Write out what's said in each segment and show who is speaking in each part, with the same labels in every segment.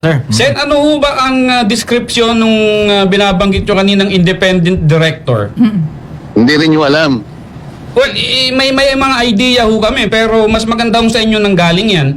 Speaker 1: Sir.
Speaker 2: Sen, ano ho ba ang description nung binabanggit nyo kaninang independent director?
Speaker 3: Hindi rin nyo alam.
Speaker 2: Well, may mga idea ho kami, pero mas maganda ho sa inyo nang galing yan.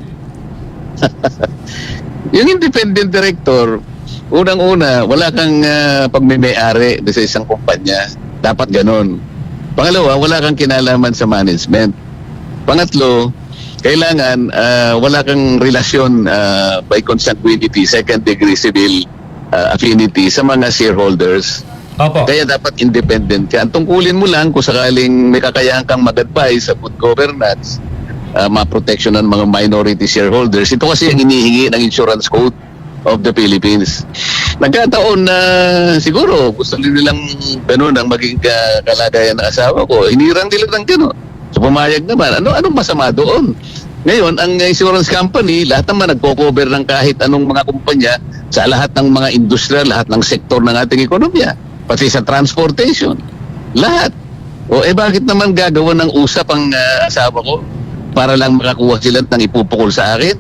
Speaker 3: Yung independent director, unang-una, wala kang pagmimay-ari sa isang kumpanya. Dapat ganun. Pangalawa, wala kang kinalaman sa management. Pangatlo, kailangan wala kang relasyon by consanguinity, second degree civil affinity sa mga shareholders.
Speaker 2: Opo.
Speaker 3: Kaya dapat independent ka. Ang tungkulin mo lang kung sakaling may kakayahan kang mag-advise sa good governance, ma-protection ng mga minority shareholders. Ito kasi ang hinihingi ng Insurance Code of the Philippines. Nagkataon na siguro gusto nilang ganun ang maging kalagayan ng asawa ko. Hinirang nila ng ganun. So pumayag naman. Anong masama doon? Ngayon, ang insurance company, lahat naman nagko-cover ng kahit anong mga kumpanya sa lahat ng mga industriya, lahat ng sektor ng ating ekonomiya. Pati sa transportation. Lahat. O bakit naman gagawa ng usap ang asawa ko para lang makakuha sila ng ipupukol sa akin?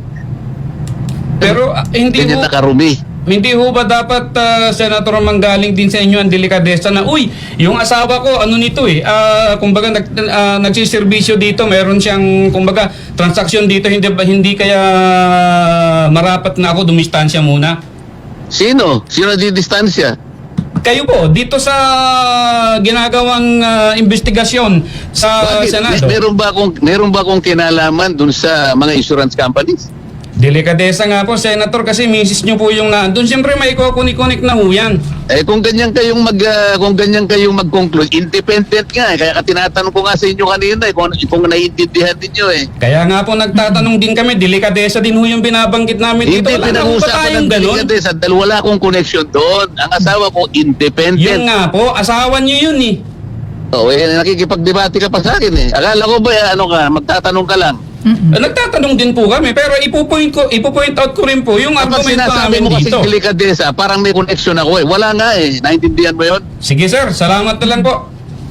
Speaker 2: Pero hindi
Speaker 3: Ganyan
Speaker 2: ho,
Speaker 3: nakarumi.
Speaker 2: hindi ho ba dapat, Senator, manggaling din sa inyo ang delikadesa na, uy, yung asawa ko, ano nito kumbaga nagsiservisyo dito, meron siyang, kumbaga, transaksyon dito, hindi kaya marapat na ako dumistansya muna?
Speaker 3: Sino? Sino di distansya?
Speaker 2: Kayo po, dito sa ginagawang investigasyon sa
Speaker 3: Bakit?
Speaker 2: Senado.
Speaker 3: Meron ba akong kinalaman dun sa mga insurance companies?
Speaker 2: Delikadesa nga po, Senator, kasi misis nyo po yung naandun. Siyempre may kukunik-kunik na ho yan.
Speaker 3: Kung ganyan kayong mag-conclude, independent nga. Kaya tinatanong ko nga sa inyo kanina kung naiintindihan ninyo
Speaker 2: Kaya nga po nagtatanong din kami, delikadesa din ho yung binabanggit namin dito.
Speaker 3: Hindi
Speaker 2: Wala na ho ba
Speaker 3: pinag-uusapan
Speaker 2: tayong
Speaker 3: ng
Speaker 2: ganun?
Speaker 3: delikadesa dahil wala akong connection doon. Ang asawa ko, independent.
Speaker 2: Yun nga po, asawa nyo yun eh.
Speaker 3: Nakikipagdebate ka pa sa akin Akala ko ba magtatanong ka lang?
Speaker 2: Nagtatanong din po kami, pero ipo-point out ko rin po yung
Speaker 3: Kapag
Speaker 2: argumento
Speaker 3: sinasabi
Speaker 2: namin
Speaker 3: mo kasi
Speaker 2: dito.
Speaker 3: delikadesa, parang may connection ako Wala nga Naintindihan mo yun?
Speaker 2: Sige sir, salamat na lang po.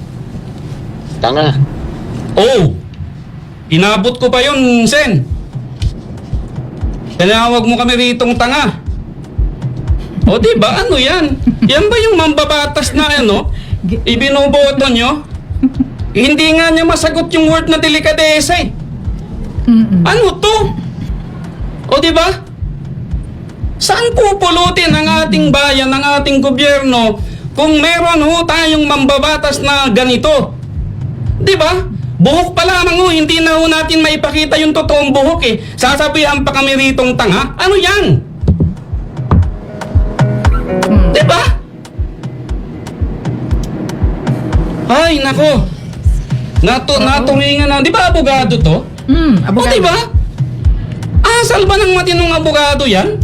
Speaker 3: Tanga.
Speaker 2: Oh, inabot ko pa yun, Sen. Tinawag mo kami ritong tanga. O diba, ano yan? Yan ba yung mambabatas na ibinoboto nyo? Hindi nga niya masagot yung word na delikadesa Ano to? O diba? Saan pupulutin ang ating bayan, ang ating gobyerno kung meron tayong mambabatas na ganito? Diba? Buhok pa lamang hindi na natin maipakita yung totoong buhok Sasabihan pa kami ritong tanga? Ano yan? Diba? Ay, nako. Naturingan na. Di ba abogado to?
Speaker 4: Abogado.
Speaker 2: O diba? Asal ba ng matinong abogado yan?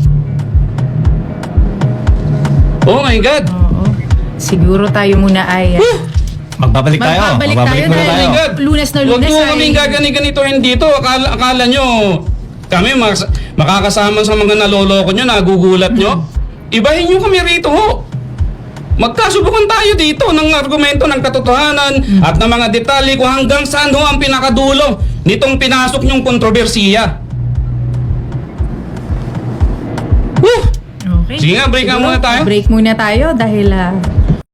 Speaker 2: Oh my God.
Speaker 4: Oo. Siguro tayo muna ay
Speaker 1: Magbabalik tayo.
Speaker 4: Magbabalik tayo
Speaker 1: muna
Speaker 4: dahil-
Speaker 2: Oh my God.
Speaker 4: Lunes na
Speaker 2: Huwag
Speaker 4: Lunes
Speaker 2: mo
Speaker 4: ay-
Speaker 2: kaming gagani-ganitohin dito. Akala nyo, kami makakasama sa mga naloloko nyo, nagugulat nyo. Ibahin nyo kami rito Magkasubukan tayo dito ng argumento ng katotohanan at ng mga detalye kung hanggang saan ang pinakadulo nitong pinasok nyong kontrobersiya.
Speaker 4: Okay.
Speaker 2: Sige nga, break nga
Speaker 4: Siguro,
Speaker 2: muna tayo.
Speaker 4: Break muna tayo dahil